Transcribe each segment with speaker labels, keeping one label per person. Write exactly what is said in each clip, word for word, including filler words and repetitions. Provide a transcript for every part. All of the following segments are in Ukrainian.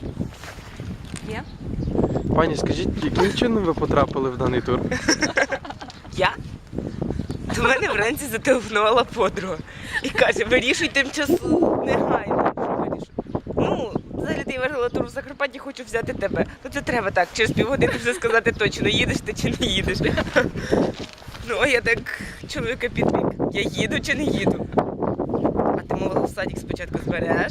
Speaker 1: Є?
Speaker 2: Пані, скажіть, яким чином ви потрапили в даний тур?
Speaker 3: Я? До мене вранці зателефонувала подруга і каже, вирішуй тимчасово, негайно. Що вирішуй? Ну, взагалі я виграла тур в Закарпатті, хочу взяти тебе. Ну це треба так, через півгодини вже сказати точно, їдеш ти чи не їдеш. Ну, а я так чоловіка підвік, я їду чи не їду. А ти мовила, в садик спочатку збереш.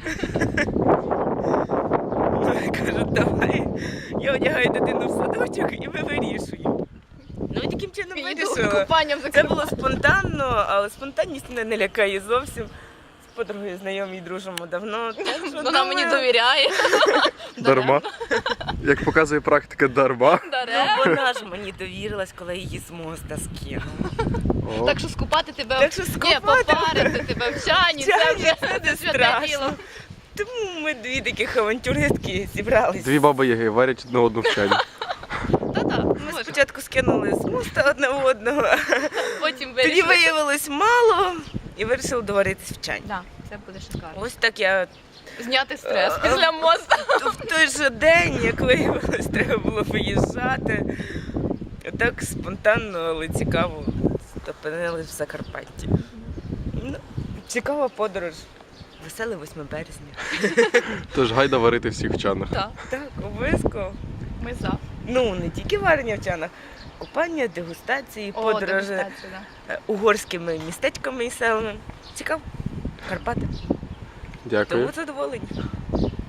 Speaker 3: Ну, я кажу, давай. Я одягаю дитину в садочок і ми вирішуємо. Ну, і таким чином вирішила.
Speaker 1: Купанням
Speaker 3: Це було спонтанно, але спонтанність мене не лякає зовсім. З подругою знайомі і дружимо давно. Так що
Speaker 1: Вона мені
Speaker 3: думаю,
Speaker 1: довіряє.
Speaker 2: Дарма. Як показує практика, дарма.
Speaker 3: Ну, вона ж мені довірилась, коли її з моста скинула.
Speaker 2: О.
Speaker 1: Так що скупати тебе,
Speaker 3: Так що
Speaker 1: ні,
Speaker 3: скупати
Speaker 1: попарити тебе в чані, це
Speaker 3: Чані,
Speaker 1: вже
Speaker 3: це не
Speaker 1: святе
Speaker 3: страшно.
Speaker 1: діло.
Speaker 3: Тому ми дві таких авантюристки зібрались.
Speaker 2: Дві баби яги варять одну одну в чані.
Speaker 1: Та-та,
Speaker 3: Ми
Speaker 1: може.
Speaker 3: спочатку скинули з моста одне в одного,
Speaker 1: Потім
Speaker 3: тоді
Speaker 1: вирішили.
Speaker 3: виявилось мало і вирішили доваритись в чані.
Speaker 1: Да, це буде шикарно.
Speaker 3: Ось так я
Speaker 1: Зняти стрес
Speaker 3: Е,
Speaker 1: після моста.
Speaker 3: в той же день, як виявилось, треба було виїжджати. Так спонтанно, але цікаво опинились в Закарпатті. Ну, цікава подорож. Веселе восьме березня.
Speaker 2: Тож гайда варити всіх в чанах.
Speaker 1: Так,
Speaker 3: Так, обов'язково.
Speaker 1: ми за.
Speaker 3: Ну, не тільки варення в чанах, купання, дегустації,
Speaker 1: О,
Speaker 3: подорожі
Speaker 1: дегустація, да.
Speaker 3: е, угорськими містечками і селами. Цікаво. Карпати.
Speaker 2: Дякую.
Speaker 3: Тому задоволені.